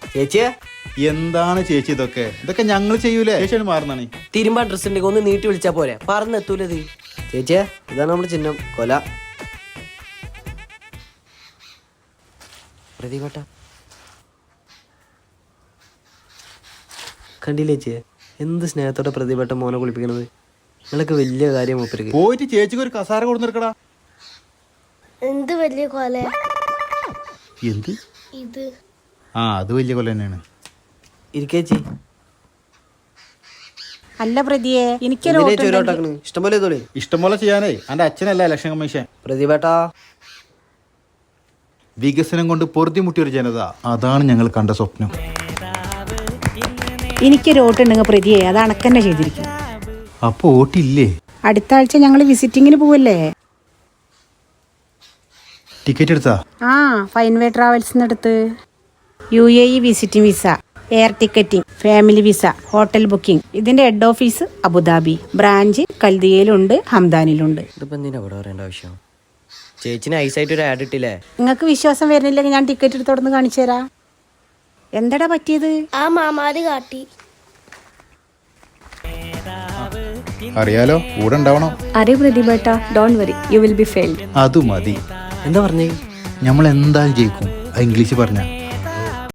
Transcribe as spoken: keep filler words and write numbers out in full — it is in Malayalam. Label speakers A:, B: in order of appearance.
A: ചേച്ചിയെ
B: എന്താണ് ചേച്ചി ഇതൊക്കെ ഇതൊക്കെ ഞങ്ങൾ ചെയ്യൂലേ? ചേച്ചിയാണ് മാറുന്നാണ്.
A: തിരുമ്പാ ഡ്രസ് ഉണ്ടെങ്കിൽ ഒന്ന് നീട്ടി വിളിച്ചാ പോരെ, പറന്നെത്തൂലത്. ചേച്ചിയെ ഇതാണ് നമ്മുടെ ചിഹ്നം, കൊല. പ്രതിഭട്ട കണ്ടില്ലേ ചേച്ചിയെ, എന്ത് സ്നേഹത്തോടെ പ്രതിഭട്ട മോനെ കുളിപ്പിക്കണത്. നിങ്ങളൊക്കെ വലിയ കാര്യം മൂപ്പർക്ക്.
B: പോയിട്ട് ചേച്ചിക്ക് ഒരു കസാര കൊടുത്തിരിക്കടാ.
C: എന്ത് വലിയ കൊല
B: എന്ത്
C: ഇത്?
B: ആ അത് വലിയ കൊല തന്നെയാണ്.
A: ഇരിക്കേച്ചി.
D: അല്ല പ്രതിയെ, എനിക്കൊരു
A: ഇഷ്ടംപോലെ തോളി
B: ഇഷ്ടംപോലെ ചെയ്യാനേ എന്റെ അച്ഛനല്ല ഇലക്ഷൻ കമ്മീഷൻ.
A: പ്രതിഭട്ടാ
B: വികസനം കൊണ്ട് പൊറുതിമുട്ടിയ ഒരു ജനത, അതാണ് ഞങ്ങൾ കണ്ട സ്വപ്നം.
D: എനിക്കൊരു വോട്ടുണ്ടെങ്കിൽ പ്രതിയെ അത് അണക്കന്നെ ചെയ്തിരിക്കും.
B: അപ്പൊ വോട്ടില്ലേ?
D: അടുത്ത ആഴ്ച ഞങ്ങൾ വിസിറ്റിങ്ങിന് പോവല്ലേ?
B: ടിക്കറ്റ് എടുത്താ?
D: ആ, ഫൈൻവേ ട്രാവൽസിന് അടുത്ത്. U A E visiting visa, air ticketing, family visa, hotel booking. ഇതിന്റെ ഹെഡ് ഓഫീസ് അബുദാബി, ബ്രാഞ്ച് കൽദിയയിലുണ്ട്, ഹംദാനിലുണ്ട്.
A: ഇതിപ്പോ എന്തിനാ ഇവിടെ പറയേണ്ട ആവശ്യം? ചേച്ചിന് ഐസായിട്ട് ഒരു ആഡ് ഇട്ടില്ലേ?
D: നിങ്ങൾക്ക് വിശ്വാസം വരുന്നില്ലെങ്കിൽ ഞാൻ ടിക്കറ്റ് എടുത്തോടന്ന് കാണിച്ചു തരാം. എന്താടാ പറ്റിയത്?
C: ആ മാമാര് കാട്ടി.
B: അറിയാലോ, കൂടെ ഉണ്ടാവണം.
E: അരെ പ്രതിഭട്ട, don't worry, you will be failed.
B: അത് മതി.
A: എന്താ പറഞ്ഞേ?
B: നമ്മൾ എന്തായാലും ജയിക്കും. ഇംഗ്ലീഷ് പറഞ്ഞ